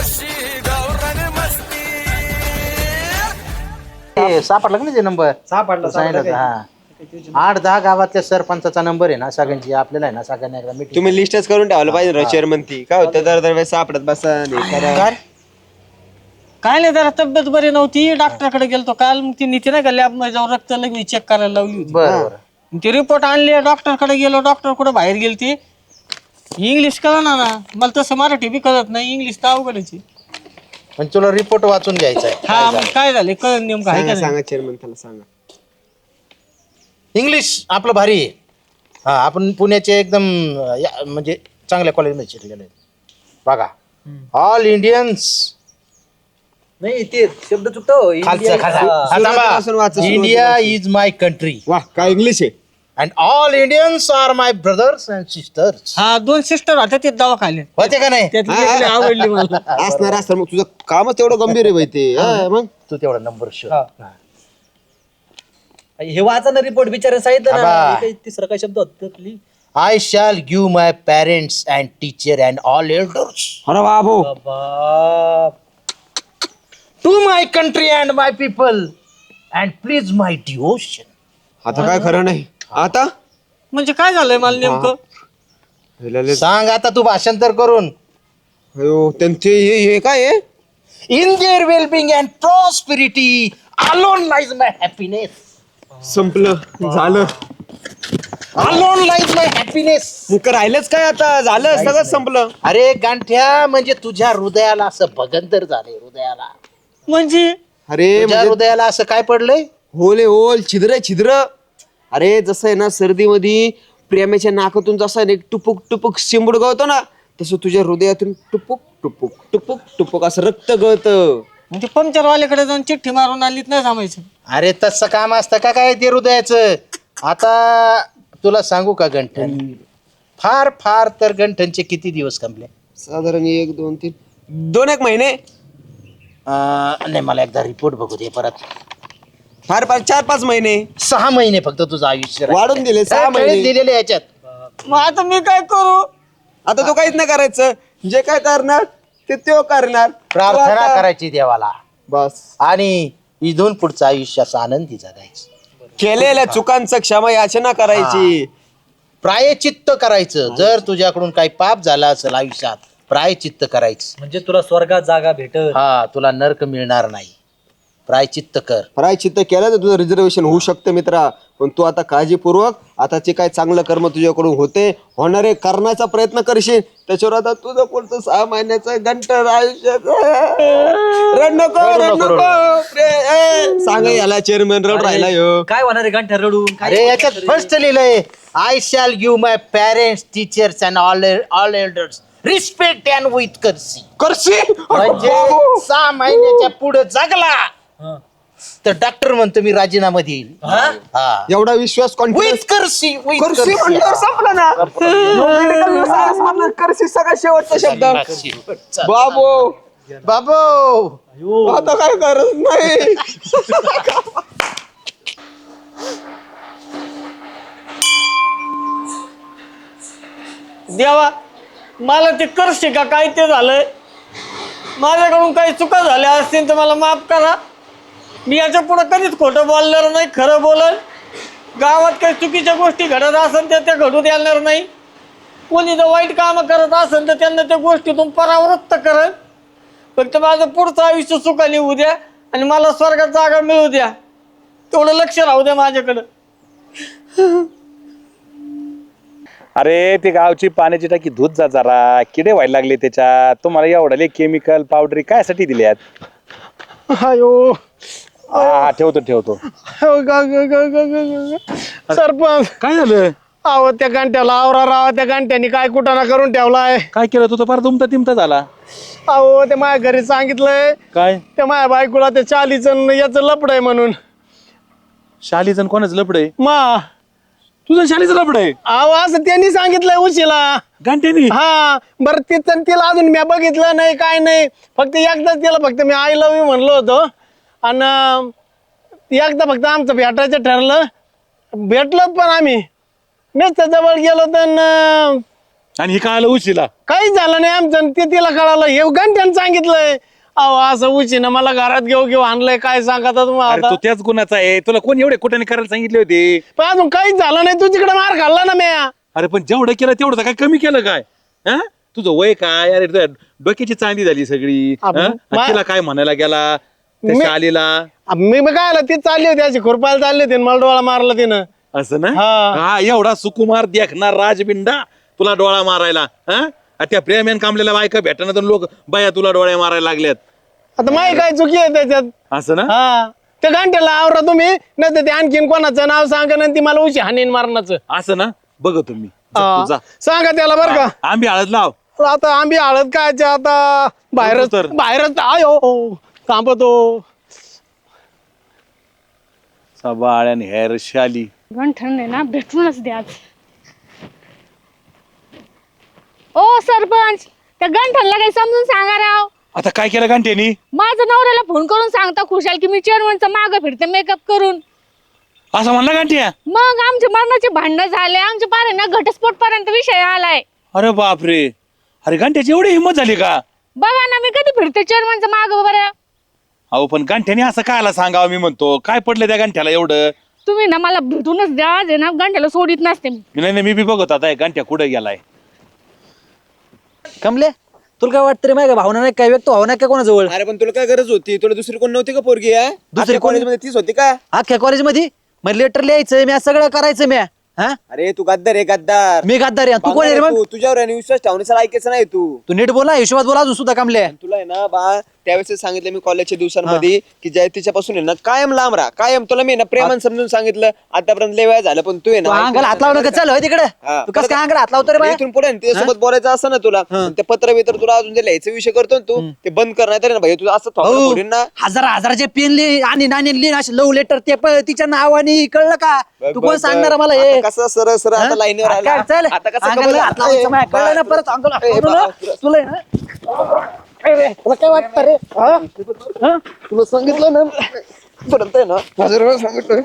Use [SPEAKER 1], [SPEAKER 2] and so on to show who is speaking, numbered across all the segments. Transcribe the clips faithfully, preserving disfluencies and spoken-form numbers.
[SPEAKER 1] सापडला का नाही ते नंबर
[SPEAKER 2] सापडला
[SPEAKER 1] सांगितलं हा आठ दहा गावातल्या सरपंचाचा नंबर आहे ना सगळ्यांची आपल्याला आहे ना सगळ्यांना एकदा मीटिंग
[SPEAKER 3] तुम्ही लिस्टच करून ठेवलं पाहिजे चेअरमन ती काय होतं दर दरवेळेस सापडत बसा
[SPEAKER 2] काय नाही जरा तब्येत बरी नव्हती डॉक्टरकडे गेलतो काल मग ती नीती नाही का लॅब मध्ये जाऊन रक्त लगेच चेक करायला लावली होती
[SPEAKER 1] बरं
[SPEAKER 2] ती रिपोर्ट आणली डॉक्टरकडे गेलो डॉक्टर कुठे बाहेर गेली ती इंग्लिश कळणार ना मला तसं मराठी बी कळत नाही इंग्लिश तर अवघडची
[SPEAKER 1] पण तुला रिपोर्ट वाचून घ्यायचा आहे
[SPEAKER 2] हा मग काय झालं कळ नेमकं आहे का नाही?
[SPEAKER 3] सांगा चेअरमन त्याला सांगा
[SPEAKER 1] इंग्लिश आपलं भारी आहे हा आपण पुण्याचे एकदम या- म्हणजे चांगल्या कॉलेजमध्ये शिकलेले आहेत बघा ऑल इंडियन्स
[SPEAKER 4] नाही ते शब्द चुकतो
[SPEAKER 1] खालचं
[SPEAKER 3] सुरुवातीपासून वाचा,
[SPEAKER 1] इंडिया
[SPEAKER 3] सुरुवातीपासून.
[SPEAKER 1] इज माय कंट्री
[SPEAKER 3] वा काय इंग्लिश आहे
[SPEAKER 1] and all Indians are my brothers and sisters
[SPEAKER 2] हा दोन सिस्टर होत्या ते दवाखान्यात
[SPEAKER 1] होते का नाही
[SPEAKER 2] त्यातली एक लई आवडली मला
[SPEAKER 3] असणार असणार मग तुझं कामच तेवढं गंभीर आहे बाई ते हा, मग
[SPEAKER 1] तू तेवढा नंबर शोध
[SPEAKER 4] हा.
[SPEAKER 1] हा.
[SPEAKER 4] हे वाचा ना रिपोर्ट बिचारे सांगितलं ना
[SPEAKER 1] आबा.
[SPEAKER 4] हे काही तिसरा काय शब्द होता please
[SPEAKER 1] I shall give my parents and teacher and all elders
[SPEAKER 3] अरे बाबू
[SPEAKER 4] बाप
[SPEAKER 1] to my country and my people and please my devotion.
[SPEAKER 3] आता काय खरं नाही आता
[SPEAKER 2] म्हणजे काय झालंय मला नेमकं
[SPEAKER 3] हे लय-
[SPEAKER 1] सांग आता तू भाषांतर करून
[SPEAKER 3] अयो, त्यांचे हे हे काय आहे
[SPEAKER 1] in their well-being and prosperity alone lies my happiness.
[SPEAKER 3] संपलं झालं
[SPEAKER 1] Alone lies my happiness.
[SPEAKER 3] मग राहिलंच काय आता झालं सगळं संपलं
[SPEAKER 1] अरे गांठ्या म्हणजे तुझ्या हृदयाला असं भगंतर झालंय हृदयाला
[SPEAKER 2] म्हणजे
[SPEAKER 3] अरे
[SPEAKER 1] तुझ्या
[SPEAKER 3] म्हणजे
[SPEAKER 1] हृदयाला असं काय पडलंय
[SPEAKER 3] होले होल छिद्र छिद्र अरे जसं आहे ना सर्दीमध्ये प्रेमाच्या नाकातून जसा एक टुपुक टुपुक शिंबूड गळतो ना तसं तुझ्या हृदयातून टुपुक टुपुक टुपुक टुपुक असं रक्त गळतं
[SPEAKER 2] म्हणजे पंक्चरवाल्याकडे जाऊन चिठ्ठी मारून आलीत नाही जमायचं
[SPEAKER 1] अरे तसं काम असतं का काय ते हृदयाचं आता तुला सांगू का गंठन फार फार तर गंठनचे किती दिवस कंपले
[SPEAKER 3] साधारण एक दोन तीन दोन एक महिने
[SPEAKER 1] नाही मला एकदा रिपोर्ट बघू दे परत
[SPEAKER 3] फार फार चार पाच महिने
[SPEAKER 1] सहा महिने फक्त तुझं आयुष्य राहिलं.
[SPEAKER 3] वाढून दिले सहा
[SPEAKER 1] काय
[SPEAKER 3] महिने
[SPEAKER 1] दिलेले याच्यात
[SPEAKER 2] मग आता मी काय करू
[SPEAKER 3] आता तो काहीच नाही करायचं जे काय करणार ते तो करणार तो
[SPEAKER 1] प्रार्थना
[SPEAKER 3] आता-
[SPEAKER 1] करायची देवाला
[SPEAKER 3] बस
[SPEAKER 1] आणि इथून पुढचं आयुष्य असं आनंदी जगायचं
[SPEAKER 3] केलेल्या चुकांचं क्षमा याचना करायची
[SPEAKER 1] प्रायचित्त करायचं जर तुझ्याकडून काही पाप झाला असेल आयुष्यात प्रायचित्त करायचं
[SPEAKER 4] म्हणजे तुला स्वर्गात जागा भेटत
[SPEAKER 1] हा तुला नरक मिळणार नाही प्रायचित्त कर
[SPEAKER 3] प्रायचित्त केलं तर तुझं रिझर्वेशन होऊ शकतं मित्रा पण तू आता काळजीपूर्वक आता जे काय चांगलं कर्म तुझ्याकडून होते होणारे करण्याचा प्रयत्न करशील त्याच्यावर आता तुझं पुढचं सहा महिन्याचं घंटर आयुष्य रड नको
[SPEAKER 1] रडू
[SPEAKER 3] रड
[SPEAKER 1] नको,
[SPEAKER 3] नको प्रे- ए, सांग याला चेअरमॅन रड राहिला ह्यो.
[SPEAKER 4] काय होणार आहे गांठ्या रडून काय
[SPEAKER 1] अरे याच्यात फर्स्ट लिहिलंय I shall give my parents teachers and all all elders respect and with courtesy
[SPEAKER 3] करशील
[SPEAKER 1] म्हणजे सहा महिन्याच्या पुढे जगला
[SPEAKER 4] हा.
[SPEAKER 1] तर डॉक्टर म्हणतो मी राजीनामा देईल
[SPEAKER 4] हा?
[SPEAKER 1] हा
[SPEAKER 3] एवढा विश्वास
[SPEAKER 1] विथ
[SPEAKER 3] कॉन्फिडन्स
[SPEAKER 1] कर्सी with
[SPEAKER 3] करशी
[SPEAKER 1] कर्सी.
[SPEAKER 3] म्हणल्यावर संपलं ना Medical science मधलं करशी सगळ्यात शेवटचा शब्द बाबू
[SPEAKER 1] बाबू
[SPEAKER 3] आता काय करत नाही
[SPEAKER 2] देवा मला ते करशे का काय ते झालंय माझ्याकडून काही चुका झाल्या असतील तर मला माफ करा मी याच्या पुढे कधीच खोटं बोलणार नाही खरं बोलल गावात काही चुकीच्या गोष्टी घडत असेल तर त्या घडू देणार नाही कोणी जर वाईट कामं करत असेल तर त्यांना त्या गोष्टीतून परावृत्त करत फक्त माझं पुढचं आयुष्य सुखाने होऊ द्या आणि मला स्वर्गात जागा मिळू द्या तेवढं लक्ष राहू द्या माझ्याकडं
[SPEAKER 5] अरे ते गावची पाण्याची टाकी धूत जा जरा किडे व्हायला लागले त्याच्यात तुम्हाला एवढाले केमिकल पावडरी कायसाठी दिल्यात
[SPEAKER 2] अयो
[SPEAKER 5] हा ठेवतो ठेवतो
[SPEAKER 2] सरपंच
[SPEAKER 5] काय झालं
[SPEAKER 2] अहो त्या घंट्याला आवरा रावा त्या घंट्यानी काय कुटाणा करून ठेवलाय
[SPEAKER 5] काय केलं तू तर फार तुमचा तिमता झाला
[SPEAKER 2] अहो ते माझ्या घरी सांगितलंय
[SPEAKER 5] काय
[SPEAKER 2] त्या माझ्या बायकोला त्या चालीचं याचं लपड आहे म्हणून
[SPEAKER 5] शालीचं कोणाच लपड आहे
[SPEAKER 2] मा
[SPEAKER 5] तुझं शालीचं लपड आहे
[SPEAKER 2] अहो असं त्यांनी सांगितलंय उशीला
[SPEAKER 5] घंटेनी
[SPEAKER 2] हा बरं तिचं तिला अजून मी बघितलं नाही काय नाही फक्त एकदाच तिला फक्त मी आय लव्ह यू म्हणलो होतो आणि एकदा फक्त आमचं भेटायचं ठरलं भेटलो पण आम्ही मीच जवळ गेलो तर
[SPEAKER 5] आणि ही कळालं उशिला.
[SPEAKER 2] काहीच झालं नाही आमचं आणि ते तिला कळालं हे घंट्यानं सांगितलंय. अहो असं उशीनं मला घरात घेऊ घेऊ आणलंय काय सांगता
[SPEAKER 5] अरे
[SPEAKER 2] तुम्हाला
[SPEAKER 5] तू त्याच गुणाचा आहे. तुला कोण एवढे कुठे करायला सांगितले होते?
[SPEAKER 2] पण अजून काहीच झालं नाही तू तिकडे मार खाल्ला ना म्या.
[SPEAKER 5] अरे पण जेवढं केलं तेवढं काय कमी केलं काय? हा तुझं वय काय? अरे तुझ्या डोक्याची चांदी झाली सगळी.
[SPEAKER 2] आपण-
[SPEAKER 5] हा? आणि
[SPEAKER 2] मा-
[SPEAKER 5] तिला काय म्हणायला गेला त्या
[SPEAKER 2] मी-
[SPEAKER 5] शालीला?
[SPEAKER 2] मी मग काय आलं ती चालली होती अशी खुरपायला चालली होती आणि मला डोळा मारला तिनं.
[SPEAKER 5] असं ना?
[SPEAKER 2] हा.
[SPEAKER 5] हा एवढा सुकुमार देखणार राजबिंडा तुला डोळा मारायला. हा आणि त्या प्रेम्यान कामलेल्या बायका भेटणार तर लोक बाया तुला डोळ्या मारायला लागल्यात.
[SPEAKER 2] आता माही काय चुकी आहे त्याच्यात.
[SPEAKER 5] असं ना?
[SPEAKER 2] हा त्या घंट्याला आवरा तुम्ही नाही तर ते आणखीन कोणाचं नाव सांगा ना ती मला उशी हाणीन मारण्याचं.
[SPEAKER 5] असं ना? बघ तुम्ही
[SPEAKER 2] हा. सांगा त्याला बरं का.
[SPEAKER 5] आंबी हळद लाव.
[SPEAKER 2] आता आंबी हळद काय ते आता बाहेरच
[SPEAKER 5] तर.
[SPEAKER 2] बाहेरच आयो थांबतो.
[SPEAKER 5] सबाळ आणि हेर शाली.
[SPEAKER 6] गंठन आहे ना भेटूनच द्या आज. ओ सरपंच त्या गंठनला काही समजून सांगा राव.
[SPEAKER 5] आता काय केलं घंटेनी?
[SPEAKER 6] माझ्या नवऱ्याला फोन करून सांगता खुशाल की मी चेअरमनचा मागं फिरते मेकअप करून.
[SPEAKER 5] असं म्हणला घंट्या?
[SPEAKER 6] मग आमचे मरणाचे भांडणं झाले आमच्या पारे ना घटस्फोट पर्यंत विषय आलाय.
[SPEAKER 5] अरे बापरे. अरे घंट्याची एवढी हिंमत झाली का?
[SPEAKER 6] बघा ना मी कधी फिरते चेअरमनचा मागं बरं.
[SPEAKER 5] अहो पण गंठ्याने असं कायला सांगावं मी म्हणतो. काय पडलं त्या गंठ्याला एवढं?
[SPEAKER 6] तुम्ही ना मला भेटूनच द्या आज आहे ना गंठ्याला सोडित नसते मी.
[SPEAKER 5] मी नाही नाही, मी बी बघत आता गंठ्या कुठे गेलाय.
[SPEAKER 4] कमले तुला काय वाटतं रे माहिती का भावना नाही काय व्यक्त भावना काय कोणाजवळ?
[SPEAKER 3] अरे पण तुला काय गरज होती? तुला दुसरी कोण नव्हती का पोरगी? दुसरी
[SPEAKER 4] कोण?
[SPEAKER 3] कॉलेजमध्ये तीच होती का?
[SPEAKER 4] अख्ख्या कॉलेजमध्ये मग लेटर लिहायचं मी सगळं करायचं मी. हा
[SPEAKER 3] अरे तू गद्दार आहे गद्दार.
[SPEAKER 4] मी गद्दार आहे. तू कोण आहे रे मग?
[SPEAKER 3] तू तुझ्यावर आहे आणि विश्वास ठेवण्याचा ऐकायचं नाही तू.
[SPEAKER 4] तू नीट बोला हिशोबात बोला अजून सुद्धा कमले.
[SPEAKER 3] तुला आहे ना बा त्यावेळेस सांगितलं मी कॉलेजच्या दिवसांमध्ये की जय तिच्यापासून आहे ना कायम लांब राहा कायम. तुला मी ना प्रेमान समजून सांगितलं आतापर्यंत लय वेळ झालं पण तू आहे
[SPEAKER 4] तू
[SPEAKER 3] ना
[SPEAKER 4] अंगाला हात लावू नका चल होय तिकडे.
[SPEAKER 3] हा.
[SPEAKER 4] तू कसं काय अंगाला हात लावतो रे बाय?
[SPEAKER 3] इथून पुढे त्याच्यासोबत बोलायचं असं ना तुला ते पत्र बित्र तुला अजून जे लिहायचा विषय करतो ना तू ते बंद कर नाही तर ना भाई तुझं असं थोडं
[SPEAKER 4] हो.
[SPEAKER 3] फोडीन ना.
[SPEAKER 4] हजार हजाराचे पेन लिहि आणि नाणी लिहि असे लव लेटर ते पण तिच्या नावाने कळलं का?
[SPEAKER 3] बघ,
[SPEAKER 4] तू
[SPEAKER 3] बघ,
[SPEAKER 4] कोण
[SPEAKER 3] बघ.
[SPEAKER 4] सांगणार मला
[SPEAKER 3] आता
[SPEAKER 4] हे?
[SPEAKER 3] कसं सरळ सरळ आता
[SPEAKER 4] हा?
[SPEAKER 3] लाईनीवर
[SPEAKER 4] आता
[SPEAKER 3] आला.
[SPEAKER 4] चल.
[SPEAKER 3] आता कसं
[SPEAKER 4] अंगाला
[SPEAKER 3] कबूल-
[SPEAKER 4] हात लावायचं माय. कळलं ना परत अंगाला हात लावतो ना. तुला आहे ना? तुला काय वाटतं रे? हा? हा?
[SPEAKER 3] तुला सांगितलं ना परत आहे ना हजार वेळा सांगितलं.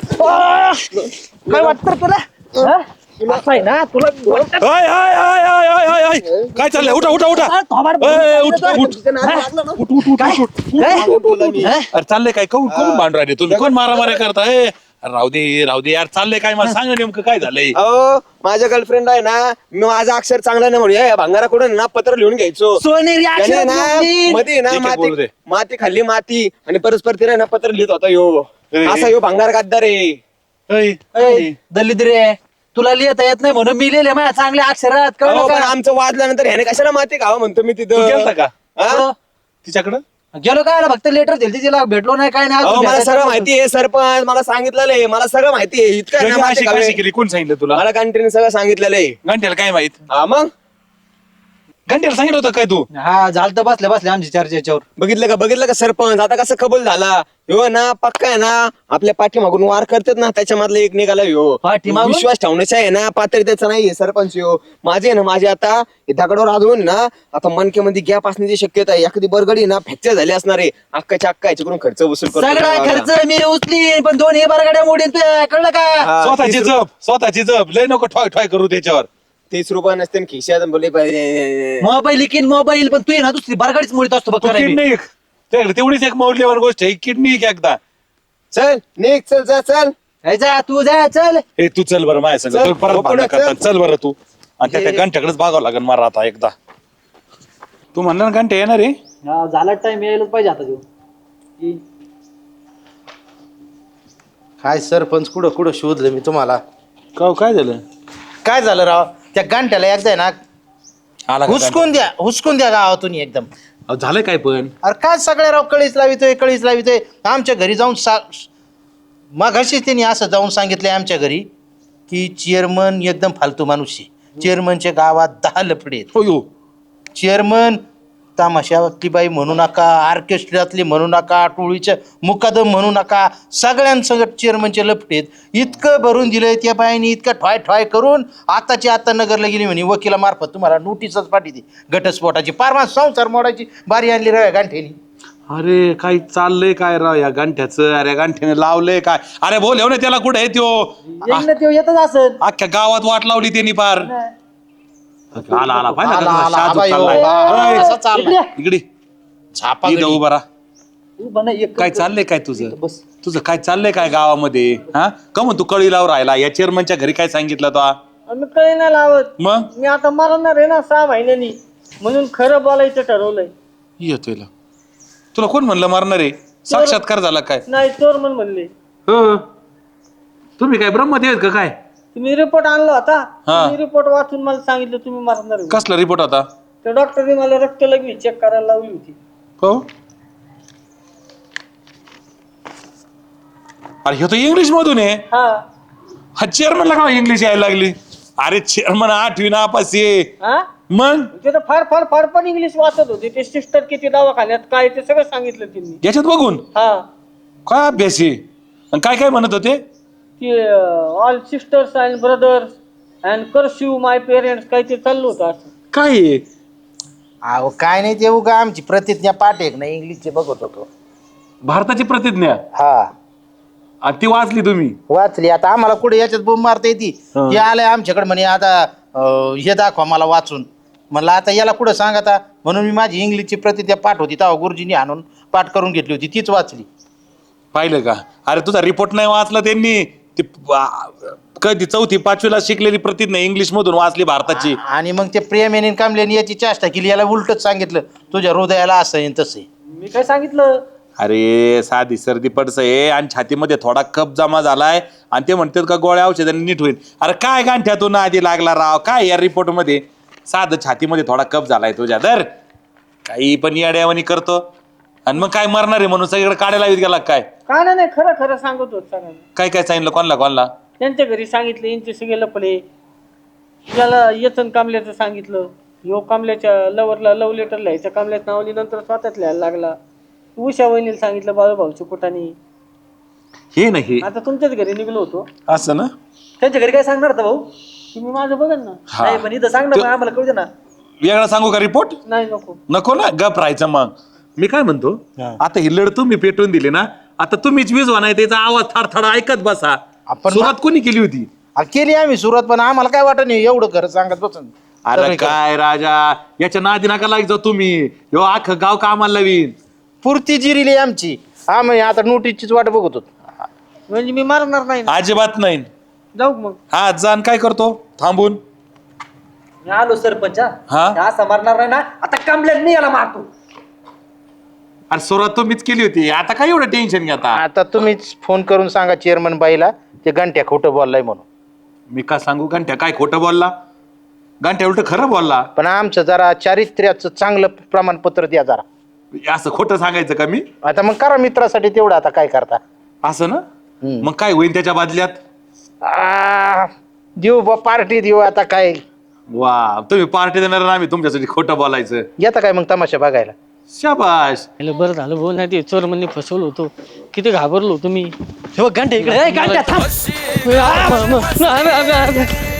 [SPEAKER 4] काय वाटतं रे तुला? हा? असं आहे ना तुला वाटतं-
[SPEAKER 5] I, I, I, I, I, I, I. काय चाललंय? उठा उठा उठा.
[SPEAKER 4] अरे, थोबाड
[SPEAKER 5] ए, उठ,
[SPEAKER 4] बोलतो.
[SPEAKER 5] उठ. उठ, उठ, उठ,
[SPEAKER 4] काय?
[SPEAKER 5] उठ, उठ.
[SPEAKER 4] काय? हा?
[SPEAKER 5] अरे चाललंय काय? कोण कोण भांडून राहिले तुम्ही? कोण मारामाऱ्या करताय? अरे राहू दे राहू दे यार. चाललंय काय? मला सांग ना नेमकं काय झालंय?
[SPEAKER 3] अहो माझ्या गर्लफ्रेंड आहे ना मी माझा अक्षर चांगला नाही म्हणून या भांगाराकडून ना पत्र लिहून घ्यायचो.
[SPEAKER 4] सोनेरी
[SPEAKER 3] त्याने
[SPEAKER 4] अक्षरात
[SPEAKER 3] ना
[SPEAKER 4] लिहिली.
[SPEAKER 3] मध्ये ना
[SPEAKER 5] ठीक आहे, बोलू
[SPEAKER 3] माती
[SPEAKER 5] दे.
[SPEAKER 3] माती खाल्ली माती आणि परस्पर तिला ना पत्र लिहित होता यो.
[SPEAKER 5] ए,
[SPEAKER 3] असा यो भांगार गद्दार आहे.
[SPEAKER 5] ऐ,
[SPEAKER 4] ऐ, दलित रे तुला लिहिता येत नाही म्हणून मी लिहिले माझ्या चांगल्या अक्षरात कळलं
[SPEAKER 3] अहो, पण
[SPEAKER 4] का?
[SPEAKER 3] आमचं वाजल्यानंतर ह्याने कशाला माती खावा म्हणतो मी
[SPEAKER 5] तू गेलता
[SPEAKER 3] तिथं.
[SPEAKER 5] का
[SPEAKER 3] हा?
[SPEAKER 5] तिच्याकडं?
[SPEAKER 4] गेलो काय फक्त लेटर दिली तिला भेटलो नाही काय नाही
[SPEAKER 3] अहो
[SPEAKER 4] अजून
[SPEAKER 3] मला
[SPEAKER 4] भेटायचं
[SPEAKER 3] सगळं
[SPEAKER 4] नाही.
[SPEAKER 3] माहिती आहे सरपंच मला सांगितलेलं आहे मला सगळं माहिती आहे इतकं आहे ना
[SPEAKER 5] कशी
[SPEAKER 3] माती
[SPEAKER 5] अशी
[SPEAKER 3] खावे.
[SPEAKER 5] कशी केली? कोण सांगितलं तुला?
[SPEAKER 3] मला कंटिन्यू सगळं सांगितलेलं आहे.
[SPEAKER 5] घंट्याला काय माहित?
[SPEAKER 3] हा मग
[SPEAKER 5] घंट्याला सांगितलं होतं काय तू?
[SPEAKER 4] हा झालं तर बसल्या बसल्या आमची चर्चा याच्यावर.
[SPEAKER 3] बघितलं का बघितलं का सरपंच आता कसं कबूल झाला ह्यो ना पक्का आहे ना आपल्या पाठीमागून वार करतात ना त्याच्यामधला एक निघाला ह्यो.
[SPEAKER 4] पाठीमागून?
[SPEAKER 3] विश्वास ठेवण्याचा आहे ना पात्र त्याचा नाहीये सरपंच ह्यो. माझे आहे ना माझे आता हे दगडावर आजवून ना आता मनकेमध्ये गॅप असण्याची शक्यता आहे. एखादी बरगडी ना फ्रॅक्चर झाली असणार आहे अक्काच्या अक्का याच्याकडून खर्च वसूल करतो.
[SPEAKER 4] सगळा खर्च मी उचली पण दोन्ही बरगाड्या मोडीन तुझ्या कळलं का?
[SPEAKER 3] हा,
[SPEAKER 5] स्वतःची
[SPEAKER 3] तीस
[SPEAKER 5] जप स्वतःची जप लय नको ठॉय ठॉय करू त्याच्यावर.
[SPEAKER 3] तीस रुपये नसते न खिशात बोलले पाहिजे.
[SPEAKER 4] मोबाईल किन मोबाईल पण तू आहे ना दुसरी बरगाडीच मोडीत असतो बघ
[SPEAKER 5] तू
[SPEAKER 4] खरं मी.
[SPEAKER 5] किडनी त्याकडे तेवढीच एक मौल्यवान गोष्ट आहे किडनी एक एकदा.
[SPEAKER 3] चल निघ चल जा चल.
[SPEAKER 4] ए, जा तू जा चल.
[SPEAKER 5] हे तू चल बरं माझ्या संग
[SPEAKER 3] चल,
[SPEAKER 5] तू परत
[SPEAKER 3] हो,
[SPEAKER 5] भांडण
[SPEAKER 3] पुढे
[SPEAKER 5] करता.
[SPEAKER 3] चल.
[SPEAKER 5] चल बरं तू आणि त्या त्या घंट्याकडेच बघावं लागेल मला आता एकदा. तू म्हणला ना घंटे येणार रे?
[SPEAKER 4] हा, झाला टाइम यायलाच पाहिजे आता तू.
[SPEAKER 1] काय सरपंच कुठं कुठं शोधलं मी तुम्हाला.
[SPEAKER 5] का काय झालं?
[SPEAKER 1] काय झालं राव त्या गांठ्याला एकदा आहे ना
[SPEAKER 5] आला का
[SPEAKER 1] हुसकून द्या हुसकून द्या गावातून एकदम.
[SPEAKER 5] घंटा? अहो, झालं काय पण?
[SPEAKER 1] अरे काय सगळे राव कळीच लावितोय कळीच लावितोय आमच्या घरी जाऊन सा मघाशीच त्यांनी असं जाऊन सांगितलंय आमच्या घरी की चेअरमन एकदम फालतू माणूस आहे. चेअरमनच्या गावात दहा लफडे आहेत.
[SPEAKER 5] हो यो.
[SPEAKER 1] चेअरमन तमाशातली बाई म्हणू नका ऑर्केस्ट्रातली म्हणू नका टोळीच्या मुकादम म्हणू नका सगळ्यांसंगत चेअरमनचे लफडे आहेत. इतकं भरून दिलंय त्या बाईने इतकं ठॉय ठॉय करून आताची आता नगरला गेली म्हणे वकिलामार्फत तुम्हाला नोटीसच पाठवते घटस्फोटाची पारमा संसार मोडायची बारी आणली राव गांठ्यानी.
[SPEAKER 5] अरे काय चाललंय काय राव या गांठ्याचं? अरे गांठ्याने लावलंय काय? अरे बोल ना त्याला कुठे आहे त्यो?
[SPEAKER 4] येईन ना त्यो येतच असत.
[SPEAKER 5] अख्ख्या गावात वाट लावली त्यांनी पार. आला आला पाहिलं
[SPEAKER 1] आला,
[SPEAKER 5] का
[SPEAKER 1] आला,
[SPEAKER 5] तुझा शाजूक
[SPEAKER 1] आबा, यो,
[SPEAKER 5] चाललाय.
[SPEAKER 1] बा,
[SPEAKER 5] अय,
[SPEAKER 1] कसा चाललाय?
[SPEAKER 5] इकडे
[SPEAKER 1] छापा
[SPEAKER 5] इथं
[SPEAKER 1] गडी.
[SPEAKER 5] उभा राहा.
[SPEAKER 4] तू बना एक
[SPEAKER 5] काय चाललंय काय तुझं तुझं काय चाललंय काय गावामध्ये हा का मग तू कळीलावर राहिला या चेअरमनच्या घरी काय सांगितलं तो
[SPEAKER 2] आम्ही काही नाही लावत.
[SPEAKER 5] मग
[SPEAKER 2] मी आता मरणार आहे ना सहा महिन्यांनी, म्हणून खरं बोलायचं ठरवलंय.
[SPEAKER 5] येतोय ला. तुला कोण म्हणलं मारणार आहे साक्षात्कार झाला काय
[SPEAKER 2] नाही चोर म्हणून म्हणले.
[SPEAKER 5] हो तुम्ही काय ब्रह्मदेव आहेत का काय
[SPEAKER 2] तुम्ही रिपोर्ट आणला होता,
[SPEAKER 5] हा.
[SPEAKER 2] तुम्ही रिपोर्ट वाचून मला सांगितलं तुम्ही मरणार आहे.
[SPEAKER 5] कसला रिपोर्ट होता
[SPEAKER 2] त्या डॉक्टरने मला रक्त लगवी चेक करायला लावली होती.
[SPEAKER 5] हो अरे हे तर इंग्लिश मधून आहे
[SPEAKER 2] हा
[SPEAKER 5] हा चेअरमनला का इंग्लिश यायला लागली अरे चेअरमन आठवी नापास आहे
[SPEAKER 2] हा
[SPEAKER 5] मग
[SPEAKER 2] ते तर फार फार फार पण इंग्लिश वाचत होते. ते सिस्टर किती दवाखान्यात काय ते सगळं सांगितलं त्यांनी.
[SPEAKER 5] याच्यात बघून
[SPEAKER 2] हा
[SPEAKER 5] काय अभ्यास आहे आणि काय काय म्हणत होते
[SPEAKER 2] की all sisters and brothers and courtesy my parents काय ते चाललं होतं असं.
[SPEAKER 5] काय आहे?
[SPEAKER 1] अहो काय नाही ते उगा आमची प्रतिज्ञा पाठ एक ना इंग्लिशचे बघत होतो.
[SPEAKER 5] भारताची प्रतिज्ञा
[SPEAKER 1] हा
[SPEAKER 5] आणि ती वाचली तुम्ही
[SPEAKER 1] वाचली. आता आम्हाला कुठे याच्यात बोंब मारता येते.
[SPEAKER 5] हा.
[SPEAKER 1] ते आलंय आमच्याकडे म्हणे आता अं, हे दाखवा मला वाचून. म्हणलं आता याला कुठं सांग आता, म्हणून मी माझी इंग्लिशची प्रतिज्ञा पाठ होती तेव्हा गुरुजींनी आणून पाठ करून घेतली होती, तीच वाचली.
[SPEAKER 5] पाहिलं का अरे तुझा रिपोर्ट नाही वाचला त्यांनी ती आ, कधी चौथी पाचवीला शिकलेली प्रतिज्ञा इंग्लिश मधून वाचली भारताची
[SPEAKER 1] आणि मग ते प्रेम यांनी कामल्याने याची चेष्टा केली, याला उलटच सांगितलं तुझ्या हृदयाला असं आहे तसं आहे.
[SPEAKER 2] मी काय सांगितलं.
[SPEAKER 5] अरे साधी सर्दी पडस आहे आणि छातीमध्ये थोडा कप जमा झालाय आणि ते म्हणतात का गोळ्या औषधाने नीट होईल. अरे काय गांठ्यातून आधी लागला राव काय या रिपोर्ट मध्ये साधं छातीमध्ये थोडा कप झालाय तुझ्या दर काही पण याड्यावानी करतो आणि मग काय मरणार आहे म्हणून सगळीकडे काढायला लावित गेला काय
[SPEAKER 2] काय नाही, नाही खरं खरं सांगत होत सगळ्यांना.
[SPEAKER 5] काय काय सांगितलं कोणला कोणला
[SPEAKER 2] त्यांच्या घरी सांगितलं, यांचे सगळे लपले. याला येचन कामल्याचं सांगितलं, यो कामल्याच्या लवरला लव लेटर लिहायचं कामल्याचं नावली नंतर स्वतःच लिहायला लागला. उषा वहिनीला सांगितलं बाळू भाऊच्या कुठाने.
[SPEAKER 5] हे नाही
[SPEAKER 2] आता तुमच्याच घरी निघलो होतो.
[SPEAKER 5] असं ना
[SPEAKER 4] त्यांच्या घरी काय सांगणार होता भाऊ?
[SPEAKER 2] तुम्ही माझं बघा ना.
[SPEAKER 5] हा.
[SPEAKER 4] नाही पण इथं सांग ना,
[SPEAKER 5] तो-
[SPEAKER 4] मग आम्हाला कळू दे ना.
[SPEAKER 5] वेगळा सांगू का रिपोर्ट
[SPEAKER 2] नाही नको.
[SPEAKER 5] नको ना गप राहायचं मग मी काय म्हणतो आता ही लढ तुम्ही पेटवून दिली ना आता तुम्हीच वीज नाही त्याचा आवाज थडथडा ऐकत बसा
[SPEAKER 1] आपण
[SPEAKER 5] सुरुवात कोणी केली होती
[SPEAKER 1] आ, केली आम्ही सुरुवात, पण आम्हाला काय वाटत नाही एवढं खरं सांगत बसून.
[SPEAKER 5] अरे काय राजा याच्या नादी नका लागायचं तुम्ही ह्यो अख्खं गाव कामाला लावीन
[SPEAKER 1] पुरती जिरीली आमची. आम्ही आता नोटीसचीच वाट बघत होतो.
[SPEAKER 2] म्हणजे मी मारणार नाही ना.
[SPEAKER 5] अजिबात नाही
[SPEAKER 2] जाऊ मग.
[SPEAKER 5] हा जाण काय करतो थांबून
[SPEAKER 4] मी आलो सरपंच हा.
[SPEAKER 5] हा?
[SPEAKER 4] असं मारणार नाही ना, आता कामल्यात मी याला मारतो.
[SPEAKER 5] अरे सुरुवात तुम्हीच केली होती आता काय एवढं टेन्शन घेता
[SPEAKER 1] आता तुम्हीच फोन करून सांगा चेअरमन बाईला ते घंट्या खोटं बोललाय म्हणून.
[SPEAKER 5] मी का सांगू घंट्या काय खोटं बोलला घंट्या उलट खरं बोलला
[SPEAKER 1] पण आमचं जरा चारित्र्याचं चांगलं प्रमाणपत्र द्या जरा.
[SPEAKER 5] असं खोटं सांगायचं का मी
[SPEAKER 1] आता मग करा मित्रासाठी तेवढं, आता काय करता.
[SPEAKER 5] असं ना
[SPEAKER 1] हम्म.
[SPEAKER 5] मग काय होईल त्याच्या बदल्यात
[SPEAKER 1] आ, देऊ बा पार्टी देऊ आता काय.
[SPEAKER 5] वा तुम्ही पार्टी देणार ना आम्ही तुमच्यासाठी खोटं बोलायचं
[SPEAKER 1] येता काय मग तमाशा बघायला.
[SPEAKER 5] शाबाश
[SPEAKER 2] हॅलो बरं झालं बोल नाही ते चोर म्हणणे फसवलं होतो. किती घाबरलो तुम्ही.
[SPEAKER 4] हे बघ, घंटे इकडे ए, घंट्या थांब.